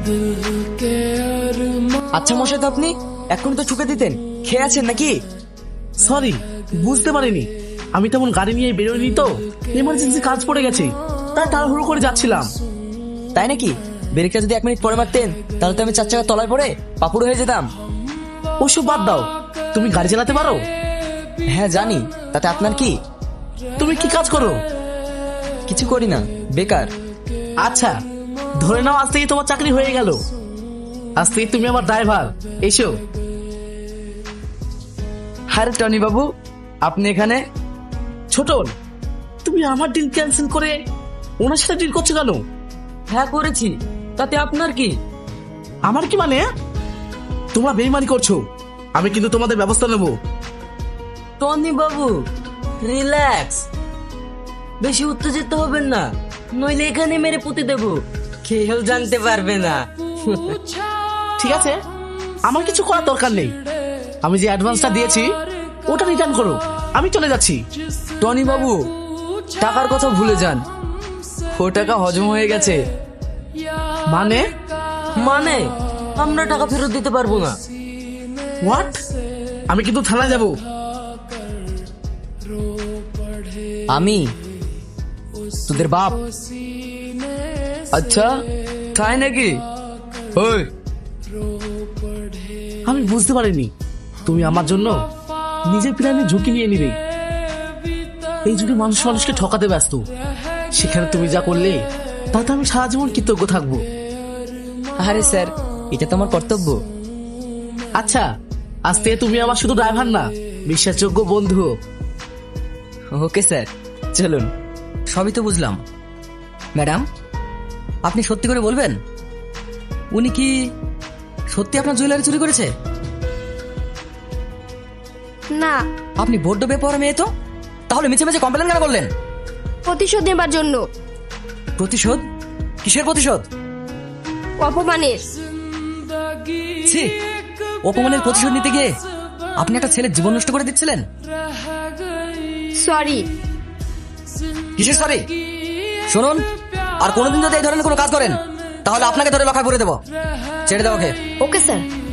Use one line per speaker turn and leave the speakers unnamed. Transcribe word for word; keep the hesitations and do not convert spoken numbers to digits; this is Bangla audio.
আচ্ছা মশাই, তো আপনি এখন তো ঠুকে দিতেন, খেয়ে আছেন নাকি?
সরি, বুঝতে পারিনি। আমি তেমন গাড়ি নিয়ে বেরোয়নি তো, এমার্জেন্সি কাজ পড়ে গেছে, তাই তাড়াহুড়ো করে যাচ্ছিলাম।
তাই নাকি? ব্রেকটা যদি এক মিনিট পরে মারতেন তাহলে তো আমি চার চাকা তলায় পড়ে পাপুড় হয়ে যেতাম।
ওসব বাদ দাও, তুমি গাড়ি চালাতে পারো?
হ্যাঁ জানি, তাতে আপনার কি?
তুমি কি কাজ করো?
কিছু করি না, বেকার।
আচ্ছা, ধরে নাও আজ থেকে তোমার চাকরি হয়ে গেল। আজ থেকে তুমি আমার ড্রাইভার। এসো।
আরে টনি বাবু, আপনি এখানে?
ছোটন, তুমি আমার ডিল ক্যান্সেল করে ওনার সাথে ডিল করছো কেন?
হ্যাঁ করেছি, তাতে আপনার কি?
আমার কি মানে? তোমরা বেইমানি করছো, আমি কিন্তু তোমাদের ব্যবস্থা নেব।
টনি বাবু রিল্যাক্স, বেশি উত্তেজিত হবেন না, নইলে এখানে মেরে পুঁতে দেব, কেউ জানতে পারবে না।
ঠিক আছে, আমার কিছু করার দরকার নেই। আমি যে অ্যাডভান্সটা দিয়েছি ওটা রিটার্ন করো, আমি চলে যাচ্ছি।
টনি বাবু, টাকার কথা ভুলে যান, ও টাকা হজম হয়ে গেছে।
মানে?
মানে আমরা টাকা ফেরত দিতে পারবো না।
হোয়াট? আমি কিন্তু থানায় যাব।
আমি তোদের বাপ? আচ্ছা, তাই নাকি? ওই,
আমি বুঝতে পারিনি তুমি আমার জন্য নিজের প্রাণে ঝুঁকি নিয়ে নিবে। এই যুগে মানুষ মানুষকে ঠকাতে ব্যস্ত, সেখানে তুমি যা করলে তাতে আমি সারা জীবন কৃতজ্ঞ থাকবো।
আরে স্যার, এটা তো আমার কর্তব্য।
আচ্ছা, আজ থেকে তুমি আমার শুধু ড্রাইভার না, বিশ্বাসযোগ্য বন্ধু।
ওকে স্যার, চলুন। সবই তো বুঝলাম, ম্যাডাম আপনি সত্যি করে বলবেন, উনি কি সত্যি আপনার জুয়েলারি চুরি করেছে?
না,
আপনি বড্ড বেপরোয়া মেয়ে তো, তাহলে মিছে মিছে কমপ্লেন কেন করলেন?
প্রতিশোধ নেবার জন্য।
প্রতিশোধ? কিসের প্রতিশোধ?
অপমানের।
ছি, অপমানের প্রতিশোধ নিতে গিয়ে আপনি একটা ছেলের জীবন নষ্ট করে দিচ্ছিলেন।
সরি।
কিসের সরি? শুনুন, আর কোনোদিন যদি এই ধরনের কোনো কাজ করেন তাহলে আপনাকে ধরে লখায় পরে দেবো। ছেড়ে দাও ওকে।
Okay sir.